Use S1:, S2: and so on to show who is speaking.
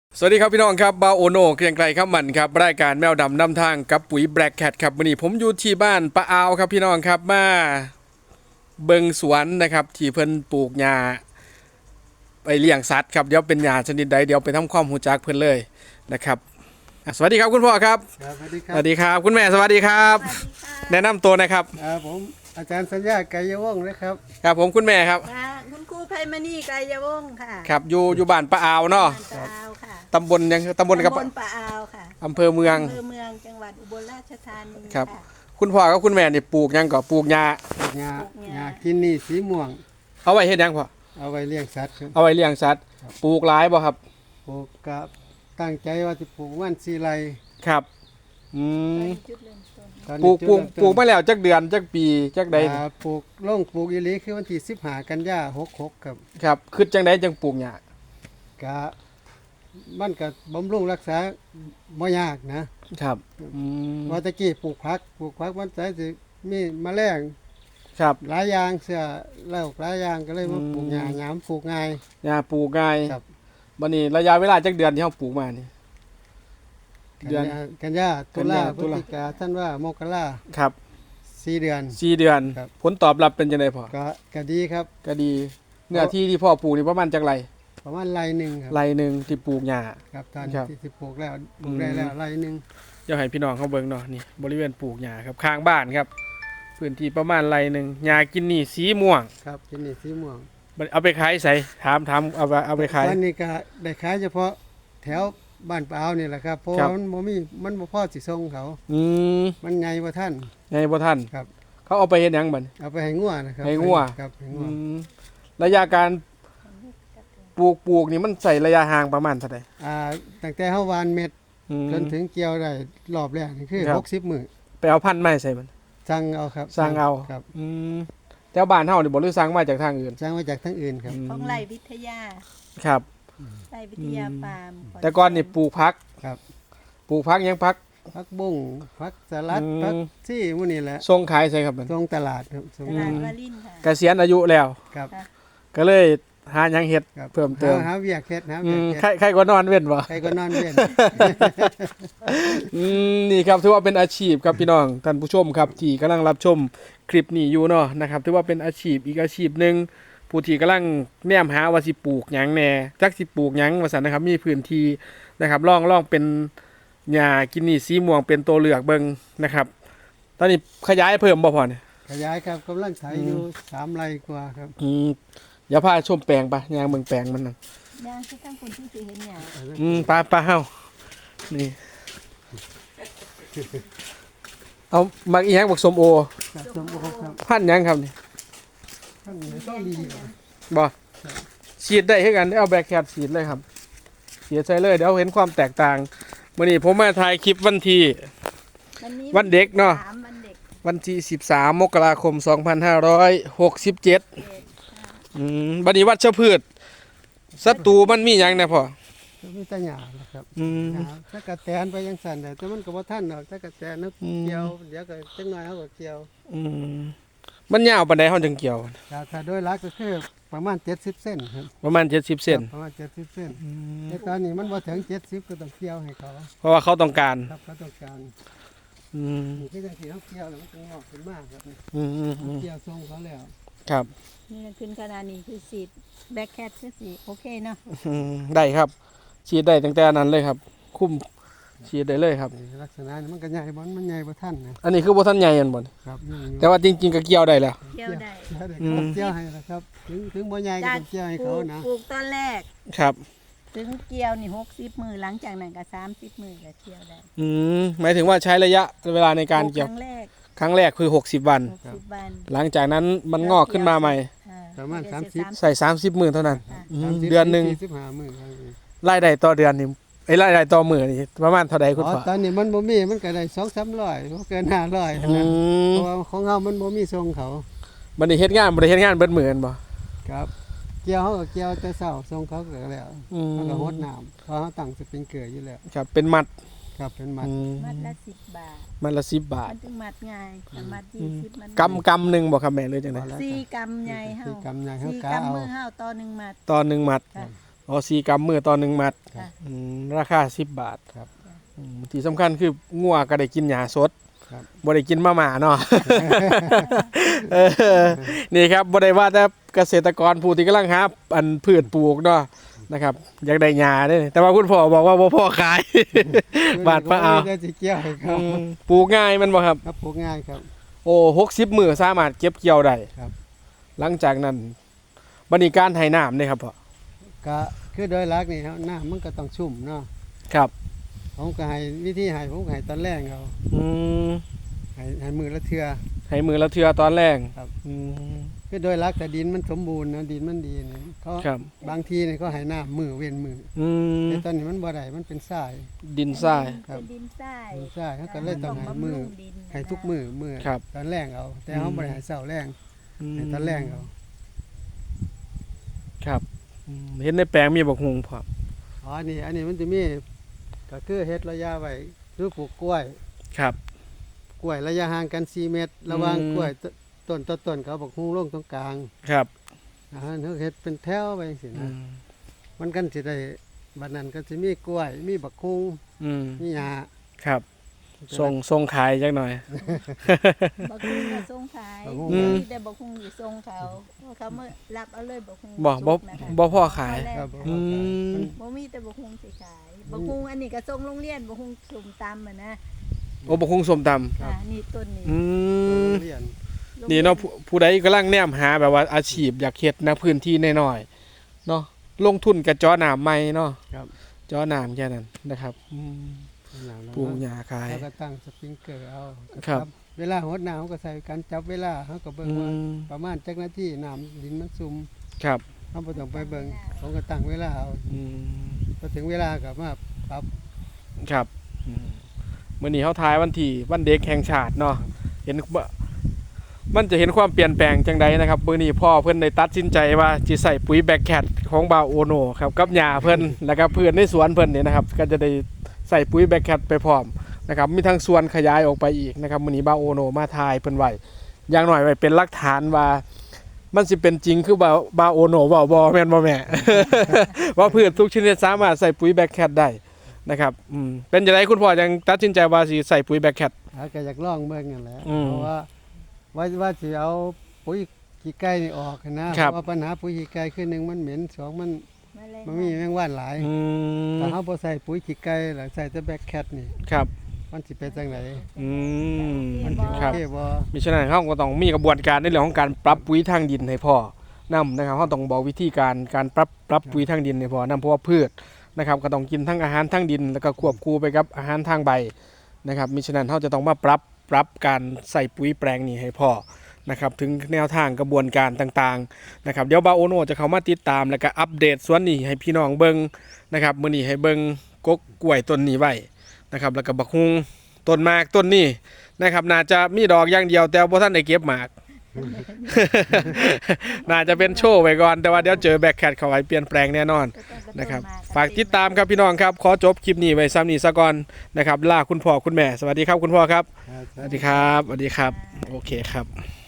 S1: สวัสดีครับพี่น้องครับบาโอโนเกรียงไกรข้ามมันครับรายการแมวดำนำทางกับปุ๋ยแบล็กแคทครับวันนี้ผมอยู่ที่บ้านปะอาวครับพี่น้องครับมาเบิงสวนนะครับที่เพิ่นปลูกหญ้าไปเลี้ยงสัตว์ครับเดี๋ยวเป็นหญ้าชนิดใดเดี๋ยวไปทำความรู้จักเพิ่นเลยนะครับสวัสดีครับคุณพ่อครับ
S2: ครับสวัสดีค
S1: ส
S2: รับ
S1: วัสดีครับคุณแม่สวัสดีครับ
S3: สวัสดีค่ะ
S1: แนะนำตัวนะครับ
S2: ผมอาจารย์สัญญาไกรยวงศ์นะครับ
S1: ครับผมคุณแม่ครับ
S3: ค่ะคุณครูไพมณีไกรยวงศ์ค่ะ
S1: ครับอยู่บ้านปะอาวเนาะ
S3: บ้านปะอาวค่ะ
S1: ตำบลยังตำบลกับ
S3: ตำบลปะอาวค่ะ
S1: อำเภอเมือง
S3: อำเภอเมืองจังหวัดอุบลราชธานี
S1: ครับ
S3: ค่ะ
S1: คุณพ่อกับคุณแม่นี่ปลูกหยังก็ปลูกหญ้า
S2: ปลูกหญ้า
S3: ปลูกหญ้า
S2: หญ้ากินนี่สีม่วง
S1: เอาไว้เฮ็ดหยังพ่อ
S2: เอาไว้เลี้ยงสัตว์ครับ
S1: เอาไว้เลี้ยงสัตว์ปลูกหลายบ่ครับ
S2: ปลูกกับตั้งใจว่าจะปลูกวันสีไร
S1: ครับอืม
S3: จุดเริ่มต้น
S2: ตอน
S1: ปลู
S2: นี้
S1: กปลูก
S2: จุดเริ่ต้น
S1: ปลูกมาแล้วจักเดือนจักปีจักใดนี่
S2: ปลูกล่งปลูกอีหลีคือวันที่15 กันยา66ครับ
S1: ครับคือจังใดจังปลูกหญ้าก
S2: ะมันก็บำรุงรักษาบ่ยากนะครับ
S1: อืม
S2: ว่าแตะกี้ปลูกผักมันใจสิมีแมลง
S1: ครับ
S2: หลายอย่างเสื้อแล้วหลายอย่างก็เลยมาปลูกหญ้าหยามปลูกง่าย
S1: หญ้าปลูกง่าย
S2: ครับ
S1: บัดนี้ระยะเวลาจักเดือนที่เฮาปลูกมานี่ เดือน
S2: กันยาตุลา
S1: กันยา
S2: พฤศจิกาท่านว่ามกรา
S1: ครับ
S2: 4 เดือน
S1: 4 เดือน
S2: ครับ
S1: ผลตอบรับเป็นจังไดพ่อ
S2: ก็ดีครับ
S1: ก็ดีเนื้อที่ที่พ่อปลูกนี่ประมาณจักไร
S2: ประมาณไรหนึ่งครับ
S1: ไรหนึงที่ปลูกหญ้า
S2: ครับตอน
S1: ครับ
S2: ที่สิปลูกแล้วปลูกได้แล้วไรหนึ่ง
S1: เดี๋ยวให้พี่น้องเขาเบิ่งเนาะนี่บริเวณปลูกหญ้าครับข้างบ้านครับพื้นที่ประมาณไรหนึงหญ้ากินนี่สีม่วง
S2: ครับกินนี่สีม่วง
S1: บัดเอาไปขายใส่ถามเอาไปขาย
S2: ตอนนี้ก็ได้ขายเฉพาะแถวบ้านปะอาวนี่แหละครับเพราะ
S1: ครั
S2: ว่า
S1: บ
S2: มันบ่พอสิส่งเขา
S1: อืม
S2: มันใหญ่กว่าท่าน
S1: ไงบ่ท่าน
S2: ครับ
S1: เขาเอาไปเฮ็ดหยังบัด
S2: เอาไปให้งัวนะครับ
S1: ให้งัว
S2: ครับให้งั
S1: อื
S2: ว
S1: มระยะการปลูกนี่มันใส่ระยะห่างประมาณเท่าใด
S2: ตั้งแต่เฮาหวานเม็ด
S1: อืม
S2: จนถึงเกี่ยวได้รอบแรกนี่คือ
S1: ครับ
S2: 60 มื้อ
S1: ไปเอาพันธุ์มาให้ใส่มัน
S2: สั่งเอาครับ
S1: สั่งเอา
S2: ครับ
S1: อืมแถวบ้านเฮานี่บ่หรือสั่งมาจากทางอื่น
S2: สั่งมาจากทางอื่นครับ
S1: ม
S3: ของไรวิทยา
S1: ครับ
S3: ไรวิทยาฟาร์ม
S1: แต่ก่อนนี่ปลูกผัก
S2: ครับ
S1: ปลูกผักหยังผัก
S2: ผักบุ้งผักสลัด
S1: อืม
S2: ผักซี่หมื้นี้แหละ
S1: ส่งขายใส่ครับมัน
S2: ตรงตลาดครับส่ง
S3: ตลาดวารินค่ะ
S1: เกษียณอายุแล้ว
S2: ครับ
S1: ก็เลยหาหยังเฮ็ด
S2: ครับ
S1: เพิ่มเติม
S2: หาเวียกเฮ็ดหา
S1: อื
S2: เวียก
S1: ม
S2: เฮ็ด
S1: ใครก็นอนเว้นบ่
S2: ใครก็นอนเวียน
S1: นี่ครับถือว่าเป็นอาชีพครับพี่น้องท่านผู้ชมครับที่กำลังรับชมคลิปนี้อยู่เนาะนะครับถือว่าเป็นอาชีพอีกอาชีพหนึ่งผู้ที่กำลังแนมหาว่าสิปลูกหยังแหน่จักสิปลูกหยังว่าซั่นนะครับมีพื้นที่นะครับลองเป็นหญ้ากินนี่สีม่วงเป็นตัวเลือกเบิ่งนะครับตอนนี้ขยายเพิ่มบ่พอเนี่ย
S2: ขยายครับกำลังไถอยู่3 ไร่กว่าครับ
S1: อย่าพาชมแปลงปะยางเบิ่งแปลงมันนั่น
S3: ย่างที่ตั้งคนที่สิเห็นเนี่ย
S1: ปลาเฮานี่เอามักอีหยังบักส้มโอ
S2: ครับสมบูรณ์ครับ
S1: พันธุ์หยังครับนี่
S2: ท่านนี้ต้องดีครับ
S1: บ่ฉีดได้คือกันเอาแบล็คแคทฉีดเลยครับฉีดใส่เลยเดี๋ยวเห็นความแตกต่างมื้อนี้ผมมาถ่ายคลิปวันที่ วันเด็กเนาะ
S3: 3วันเด็ก
S1: วันที่13 มกราคม 2567บัดนี้วัชพืชศัตรูมันมีหยังแน่พ่อ
S2: ก็มีแต่หญ้านะครับ
S1: อืม
S2: หญ้าถ้ากระแตนไปยังสั่นแต่มันก็บ่ทันดอกถ้ากระแตนนึก
S1: อืม
S2: เกี่ยวเดี๋ยวก็จังหน่อยเฮาก็เกี่ยว
S1: อืมมันยาวปานใดเฮาจึงเกี่ยว
S2: ถ้าโดยหลักก็คือประมาณ70 เส้นครับ
S1: ประมาณ70 เซน
S2: ประมาณ70 เส้นแต่ตอนนี้มันบ่ถึง70ก็ต้องเกี่ยวให้เขา
S1: เพราะว่าเขาต้องการ
S2: ครับเขาต้องการ
S1: อืม
S2: นี่คือจังซี่เฮาเกี่ยวแล้วมันก็งอกขึ้นมาครับนี่
S1: อืมอืมอืม
S2: เกี่ยวทรงเขาแล้ว
S1: ครับ
S3: นี่ขึ้นขนาดนี้คือสีดแบ็คแคทคือสีโอเคเนาะ
S1: ได้ครับ ฉีดได้ตั้งแต่นั้นเลยครับ คุ้มฉีดได้เลยครับ
S2: นี่ลักษณะนี้มันก็ใหญ่บ่มันใหญ่บ่ทันนะ
S1: อันนี้คือบ่ทันใหญ่อันบ่น
S2: ครับ
S1: แต่ว่าจริงๆก็เกี่ยวได้แล้ว
S3: เที่ยวได้
S2: เกี่ยวให้นะครับถึงบ่ใหญ่ก็ต้องเกี่ยวให้เขานะ
S3: ปลูกตอนแรก
S1: ครับ
S3: ถึงเกี่ยวนี่60 มือหลังจากนั้นก็30 มือก็เที่ยวได้
S1: หมายถึงว่าใช้ระยะเวลาในการเกี่ยว
S3: ครั้งแรก
S1: ครั้งแรกคือ60 วัน
S3: 60 วัน
S1: หลังจากนั้นมันงอกขึ้นมาใหม่
S2: ประมาณ
S3: เดี๋ยวเสีย
S2: 30
S1: ใส่30 มื้อเท่านั้น
S2: 30
S1: เดือนหนึง
S2: 45มื้อครับ
S1: รายได้ต่อเดือนนี่รายได้ต่อมื้อนี่ประมาณเท่าใดคุณ
S2: อ๋อ
S1: พ่อ
S2: ตอนนี้มันบ่มีมันก็ได้2-300บ่เกิน500เท่านั้นเพราะว่าของเฮามันบ่มีส่งเขา
S1: บัดนี้เฮ็ดงานบ่ได้เฮ็ดงานเบิดมื้อแม่นบ่
S2: ครับ เกี่ยวเฮาก็เกี่ยวแต่เช้าส่งเขาก็แล้ว
S1: อืม
S2: มันก็รดน้ำเพราะเฮาตั้งสปริงเกอร์อยู่แล้ว
S1: ครับเป็นมัด
S2: ครับเป็นมัด
S3: มัดละ10 บาท
S1: มัดละ10 บาท
S3: มันถึงมัดง่ายแต่มัด20มัน
S1: กำหนึงบ่ครับแม่หรือจังได๋
S3: 4 กำใหญ่เฮา
S2: สี่กำใหญ่เฮา
S3: 4
S2: กะ
S3: กำ
S2: เอา
S3: มือเฮาต่อ1มัด
S1: ต่อ1มัด
S3: ค่ะ
S1: โอ๋อ4กรัมมือต่อ1มัด
S3: ค่ะ
S1: ราคา10 บาท
S2: ครับ
S1: ที่สำคัญคืองัวก็ได้กินหญ้าสด
S2: ครับ
S1: บ่ได้กินมาม่าเนาะ เออนี่ครับบ่ได้ว่าแต่เกษตรกรผู้ที่กำลังหาอันพืชปลูกเนาะนะครับอยากได้หญ้าเด้แต่ว่าคุณพ่อบอกว่าบ่พอขาย บาทมาเอา
S2: ได้สิเกี่ยวให้เขา
S1: ปลูกง่ายมันบ่ครับ
S2: ครับปลูกง่ายครับ
S1: โอ้60มื้อสามารถเก็บเกี่ยวได้
S2: ครับ
S1: หลังจากนั้นบัดนี้การให้น้ำเด้ครับพ่อ
S2: ก็คือโดยหลักนี่ครับน้ำมันก็ต้องชุ่มเนาะ
S1: ครับ
S2: ผมก็ให้วิธีให้ผมก็ให้ตอนแรกเขา
S1: อืม
S2: ให้มือละเทื่อ
S1: ให้มือละเทื่อตอนแรก
S2: ครับ
S1: อืม
S2: คือโดยหลักแต่ดินมันสมบูรณ์นะดินมันดีนี่เขา
S1: ครับ
S2: บางทีนี่เขาให้น้ำมือเว้นมือ
S1: อืม
S2: แต่ตอนนี้มันบ่ได้มันเป็นทราย
S1: ดินทราย
S2: ครับ
S3: เป็นดินทราย
S2: ดินทรายเขาก็เลยต้องให้มือ
S3: บำรุงดิน
S2: ให้ทุกมือ
S1: ครับ
S2: ตอนแรกเอา แต่เขาบ่ได้ให้เช้าแรงให้ตอนแรกเอา
S1: ครับเห็นในแปลงมีบักฮุงพร้อม
S2: อ๋ออันนี้มันจะมีก็คือเฮ็ดระยะไว้คือปลูกกล้วย
S1: ครับ
S2: กล้วยระยะห่างกัน4เมตร ระหว่าง
S1: อืม
S2: กล้วยต้นต่อต้นเขาบอกฮู้ลงตรงกลาง
S1: ครับ
S2: เขาเฮ็ดเป็นแถวไปจังซี่
S1: อื
S2: นะ
S1: ม
S2: มันกันสิได้บัดนั้นก็สิมีกล้วย มีบักฮุง
S1: อืม
S2: มีหญ้า
S1: ครับส่งขายจักหน่อย
S3: บักฮุงก็ส่งขาย
S1: อืม
S3: มีแต่บักฮุงอยู่ส่งเขาเพราะเขามารับเอาเลยบักฮุง
S1: บ่
S3: สุกนะคะ
S1: บ่พอขาย
S2: ครับ
S1: อืม
S3: บ่มีแต่บักฮุงสิขายบักฮุงอันนี้ก็ส่งโรงเรียนบักฮุงสุ่มตำอ่ะนะ
S1: โอ้บักฮุงส้มตำ
S3: นี่ต้นนี้
S1: อืม
S2: เรียน
S1: นี่เนาะผู้ใดกำลังแนมหาแบบว่าอาชีพอยากเฮ็ดนะพื้นที่น้อยๆเนาะลงทุนกับจอน้ำใหม่เนาะ
S2: ครับ
S1: จอน้ำแค่นั้นนะครับปลูกหญ้าขาย
S2: แล้วก็ตั้งสปริงเกอร์เอา
S1: ครับ
S2: เวลาหดน้ำเขาก็ใส่การจับเวลาเขาก็เบิ่ง
S1: อื
S2: ว่าม ประมาณจักนาทีน้ำดินมันซุ่ม
S1: ครับ
S2: เขาบ่ต้องไปเบิ่งเขาก็ตั้งเวลาเอา
S1: อืม
S2: พอถึงเวลาก็มาปรับ
S1: ครับมื้อนี้เฮาทายวันเด็กแห่งชาติเนาะเห็นว่ามันจะเห็นความเปลี่ยนแปลงจังใดนะครับมื้อนี้พ่อเพิ่นได้ตัดสินใจว่าสิใส่ปุ๋ยแบคแคทของบาโอโนครับกับหญ้าเพิ่นแล้วก็เพื่อนในสวนเพิ่นนี่นะครับก็จะได้ใส่ปุ๋ยแบคแคทไปพร้อมนะครับมีทั้งส่วนขยายออกไปอีกนะครับมื้อนี้บาโอโนมาทายเพิ่นไว้อย่างน้อยไว้เป็นหลักฐานว่ามันสิเป็นจริงคือบาโอโนเว้าบ่แม่นบ่แม่ ว่าพืชทุกชนิดสามารถใส่ปุ๋ยแบคแคทได้นะครับเป็นจังไดคุณพ่อยังตัดสินใจว่าสิใส่ปุ๋ยแบคแคท
S2: เขาก็อยากลองเบิ่งนั่นแหละ
S1: อืม
S2: เพราะว่าสิเอาปุ๋ยขี้ไก่นี่ออกนะครับ เพราะว่าปัญหาปุ๋ยขี้ไก่คือหนึ่งมันเหม็นสองมันมีแมงว่านหลาย
S1: อืม
S2: ถ้าเขาบ่ใส่ปุ๋ยขี้ไก่แล้วใส่แต่แบคแคทนี่
S1: ครับ
S2: มันสิเป็นจังได
S1: อืม
S2: มันสิโอ
S1: ครับ
S2: เคบ่
S1: มิฉะนั้นเขาก็ต้องมีกระบวนการในเรื่องของการปรับปุ๋ยทางดินให้พ่อนำนะครับเขาต้องบอกวิธีการปรับปุ๋ยทางดินให้พ่อนำเพราะว่าพืชนะครับก็ต้องกินทั้งอาหารทางดินแล้วก็ควบคู่ไปกับอาหารทางใบนะครับมิฉะนั้นเขาจะต้องมาปรับการใส่ปุ๋ยแปลงนี้ให้พ่อนะครับถึงแนวทางกระบวนการต่างๆนะครับเดี๋ยวบาโอโนจะเข้ามาติดตามแล้วก็อัปเดตส่วนนี้ให้พี่น้องเบิ่งนะครับมื้อนี้ให้เบิ่งกกกล้วยต้นนี้ไว้นะครับแล้วก็บักฮุงต้นหมากต้นนี้นะครับน่าจะมีดอกอย่างเดียวแต่บ่ทันได้เก็บหมาก น่าจะเป็นโชว์ไว้ก่อนแต่ว่าเดี๋ยวเจอแบคแคทเข้าไปเปลี่ยนแปลงแน่นอนนะครับฝากติดตามครับพี่น้องครับขอจบคลิปนี้ไว้ซ้ำนี้ซะก่อนนะครับลาคุณพ่อคุณแม่สวัสดีครับคุณพ่อครับ
S2: ครับ
S1: สวัสดีครับสวัสดีครับโอเคครับ